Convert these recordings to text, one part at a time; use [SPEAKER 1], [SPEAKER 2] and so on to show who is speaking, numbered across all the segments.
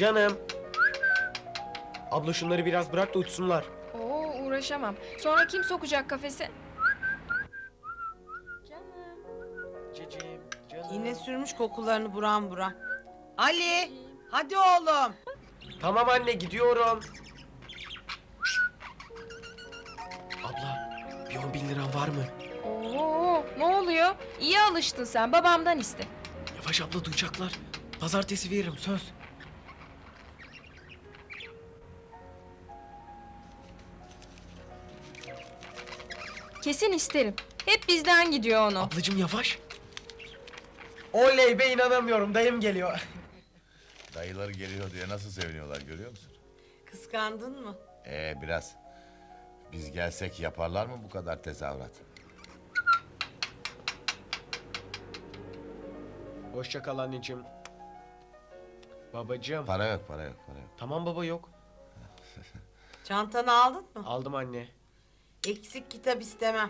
[SPEAKER 1] Canım. Abla şunları biraz bırak da uçsunlar.
[SPEAKER 2] Oo, uğraşamam. Sonra kim sokacak kafese? Canım.
[SPEAKER 1] Cicim, canım.
[SPEAKER 3] Yine sürmüş kokularını buram buram. Ali, hadi oğlum.
[SPEAKER 1] Tamam anne, gidiyorum. Abla, bir 10.000 liran var mı?
[SPEAKER 2] Oo, ne oluyor? İyi alıştın sen. Babamdan iste.
[SPEAKER 1] Yavaş abla, duyacaklar. Pazartesi veririm, söz.
[SPEAKER 2] Kesin isterim. Hep bizden gidiyor onu.
[SPEAKER 1] Ablacığım yavaş. Oley be, inanamıyorum. Dayım geliyor.
[SPEAKER 4] Dayıları geliyor diye nasıl seviniyorlar görüyor musun?
[SPEAKER 3] Kıskandın mı?
[SPEAKER 4] Biraz. Biz gelsek yaparlar mı bu kadar tezahürat?
[SPEAKER 1] Hoşça kal anneciğim. Babacığım.
[SPEAKER 4] Para yok, para yok, para yok.
[SPEAKER 1] Tamam baba, yok.
[SPEAKER 3] Çantanı aldın mı?
[SPEAKER 1] Aldım anne.
[SPEAKER 3] Eksik kitap istemem.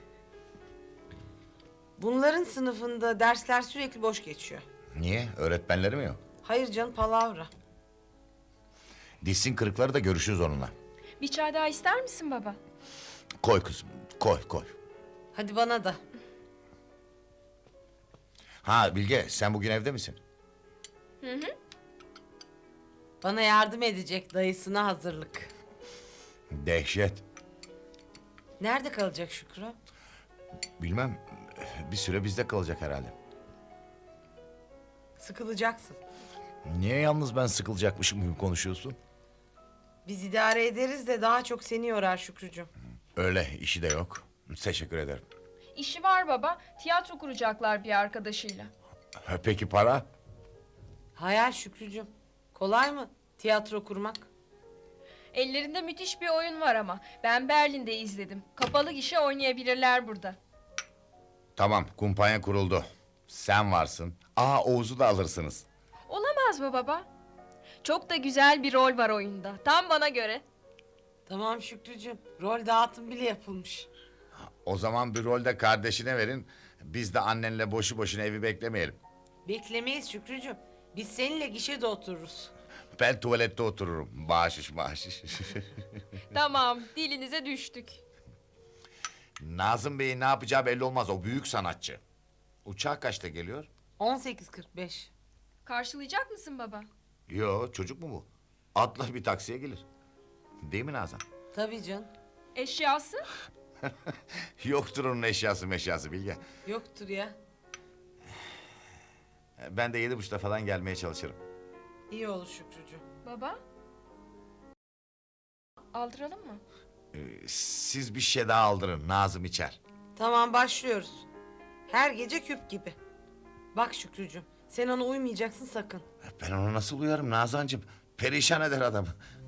[SPEAKER 3] Bunların sınıfında dersler sürekli boş geçiyor.
[SPEAKER 4] Niye? Öğretmenleri mi yok?
[SPEAKER 3] Hayır canım, palavra.
[SPEAKER 4] Dişsin kırıkları da görüşürüz onunla.
[SPEAKER 2] Bir çay daha ister misin baba?
[SPEAKER 4] Koy kızım, koy, koy.
[SPEAKER 3] Hadi bana da.
[SPEAKER 4] Ha Bilge, sen bugün evde misin?
[SPEAKER 3] Bana yardım edecek, dayısına hazırlık.
[SPEAKER 4] Dehşet.
[SPEAKER 3] Nerede kalacak Şükrü?
[SPEAKER 4] Bilmem, bir süre bizde kalacak herhalde.
[SPEAKER 3] Sıkılacaksın.
[SPEAKER 4] Niye yalnız ben sıkılacakmışım gibi konuşuyorsun?
[SPEAKER 3] Biz idare ederiz de daha çok seni yorar Şükrücüğüm.
[SPEAKER 4] Öyle, işi de yok. Teşekkür ederim.
[SPEAKER 2] İşi var baba. Tiyatro kuracaklar bir arkadaşıyla.
[SPEAKER 4] Peki para?
[SPEAKER 3] Hayal Şükrücüğüm. Kolay mı tiyatro kurmak?
[SPEAKER 2] Ellerinde müthiş bir oyun var ama. Ben Berlin'de izledim. Kapalı gişe oynayabilirler burada.
[SPEAKER 4] Tamam, kumpanya kuruldu. Sen varsın. Oğuz'u da alırsınız.
[SPEAKER 2] Olamaz mı baba? Çok da güzel bir rol var oyunda. Tam bana göre.
[SPEAKER 3] Tamam Şükrücüğüm. Rol dağıtım bile yapılmış.
[SPEAKER 4] O zaman bir rolde kardeşine verin. Biz de annenle boşu boşuna evi beklemeyelim.
[SPEAKER 3] Beklemeyiz Şükrücüğüm. Biz seninle gişede otururuz.
[SPEAKER 4] Ben tuvalette otururum. Bağışış bağışış.
[SPEAKER 2] Tamam, dilinize düştük.
[SPEAKER 4] Nazım Bey'in ne yapacağı belli olmaz. O büyük sanatçı. Uçağı kaçta geliyor?
[SPEAKER 3] 18.45.
[SPEAKER 2] Karşılayacak mısın baba?
[SPEAKER 4] Yo, çocuk mu bu? Atlar bir taksiye gelir. Değil mi Nazan?
[SPEAKER 3] Tabii canım.
[SPEAKER 2] Eşyası?
[SPEAKER 4] Yoktur onun eşyası meşyası Bilge.
[SPEAKER 3] Yoktur ya.
[SPEAKER 4] Ben de 7.30'da falan gelmeye çalışırım.
[SPEAKER 3] İyi olur Şükrücüğüm.
[SPEAKER 2] Baba? Aldıralım mı?
[SPEAKER 4] Siz bir şey daha aldırın. Nazım içer.
[SPEAKER 3] Tamam, başlıyoruz. Her gece küp gibi. Bak Şükrücüğüm, sen ona uymayacaksın sakın.
[SPEAKER 4] Ben ona nasıl uyarım Nazancığım? Perişan eder adamı.